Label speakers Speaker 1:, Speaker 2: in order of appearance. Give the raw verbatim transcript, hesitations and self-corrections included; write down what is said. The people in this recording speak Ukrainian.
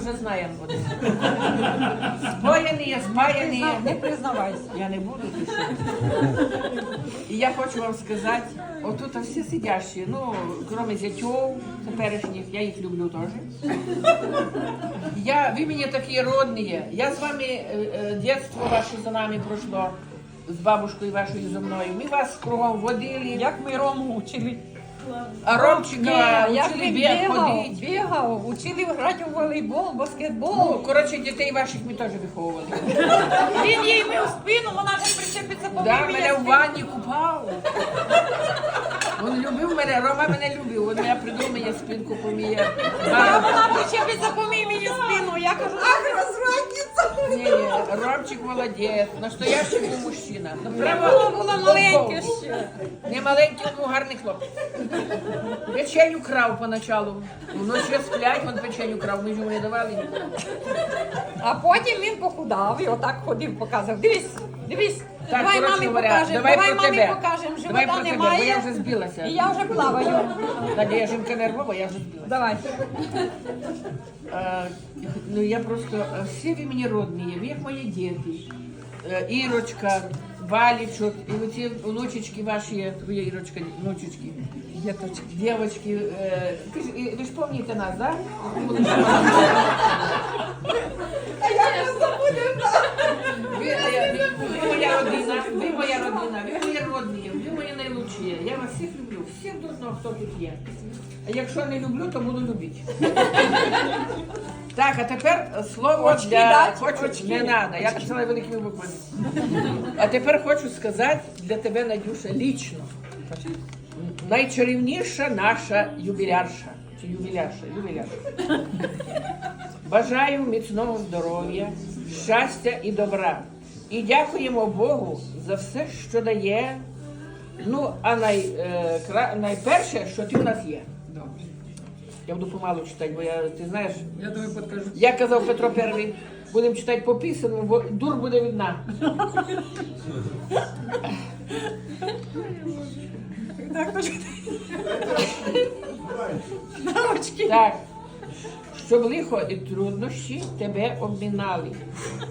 Speaker 1: вже знаємо. Споєні, спаяні.
Speaker 2: Не признавайся.
Speaker 1: Я не буду писати. І я хочу вам сказати, отут всі сидящі, ну, крім зятьов теперішніх, я їх люблю теж. Я, ви мені такі родні, я з вами, е, е, дитинство ваше за нами пройшло, з бабушкою вашою зі мною. Ми вас кругом водили.
Speaker 2: Як ми Рому учили.
Speaker 1: А Ромчика
Speaker 2: як
Speaker 1: учили
Speaker 2: він
Speaker 1: біг
Speaker 2: бігав,
Speaker 1: ходити.
Speaker 2: бігав, учили грати у волейбол, баскетбол.
Speaker 1: Ну, коротше, дітей ваших ми теж виховували.
Speaker 2: Він їй мив спину, вона не причепиться по
Speaker 1: Да,
Speaker 2: мені
Speaker 1: мене в ванні купав. Він любив мене, Рома мене любив. Він мене придумав, мені спинку поміє.
Speaker 2: А вона причепиться по мені спину. Я кажу, ах, розвратниця.
Speaker 1: Ні, ні, Ромчик молодець, настоящий був мужчина. Ну, прямо
Speaker 2: Воно було маленьке
Speaker 1: лобково.
Speaker 2: ще.
Speaker 1: Не маленький, він був гарний хлопець. Печеню крав поначалу. Вночі сплять, він печеню крав, ми ж йому не давали.
Speaker 2: А потім він похудав і отак ходив, показував. Дивись, дивись.
Speaker 1: Так,
Speaker 2: давай
Speaker 1: коротше
Speaker 2: мамі
Speaker 1: говоря,
Speaker 2: покажемо,
Speaker 1: давай
Speaker 2: давай
Speaker 1: про
Speaker 2: мамі
Speaker 1: тебе.
Speaker 2: покажемо,
Speaker 1: Давай
Speaker 2: живота
Speaker 1: про тебе,
Speaker 2: немає.
Speaker 1: бо я вже збилася.
Speaker 2: І я вже плаваю.
Speaker 1: Надія жінка нервова, я вже збилася.
Speaker 2: Давай.
Speaker 1: А, ну я просто, а, всі ви мені родні, ви як мої діти. Е, Ірочка, Валічок, і оці внучечки ваші, твоя Ірочка, внучечки,
Speaker 2: Діточки.
Speaker 1: дівочки. Е, ти ж- і- ви ж пам'ятаєте нас, да? Ви, е, ви, ви моя родина, ви моя родина, ви мої родні, ви мої найлучші. Я вас всіх люблю, всіх до одного, хто тут є. А якщо не люблю, то буду любити. Так, а тепер слово
Speaker 2: Очки
Speaker 1: для...
Speaker 2: дать?
Speaker 1: Хочу...
Speaker 2: Очки.
Speaker 1: Не треба, я писала великими буквами. А тепер хочу сказати для тебе, Надюша, лічно. Найчарівніша наша юбілярша. Чи юбілярша? Юбілярша. Бажаю міцного здоров'я, щастя і добра. І дякуємо Богу за все, що дає. Ну, а най, е, кра... найперше, що ти в нас є.
Speaker 3: Добре.
Speaker 1: Я буду помалу читати, бо я, ти знаєш,
Speaker 3: Я тобі підкажу.
Speaker 1: як казав Петро Перший, будемо читати по пісенню, бо дур буде видна.
Speaker 2: Так, то Научки.
Speaker 1: Так, щоб лихо і труднощі тебе обмінали.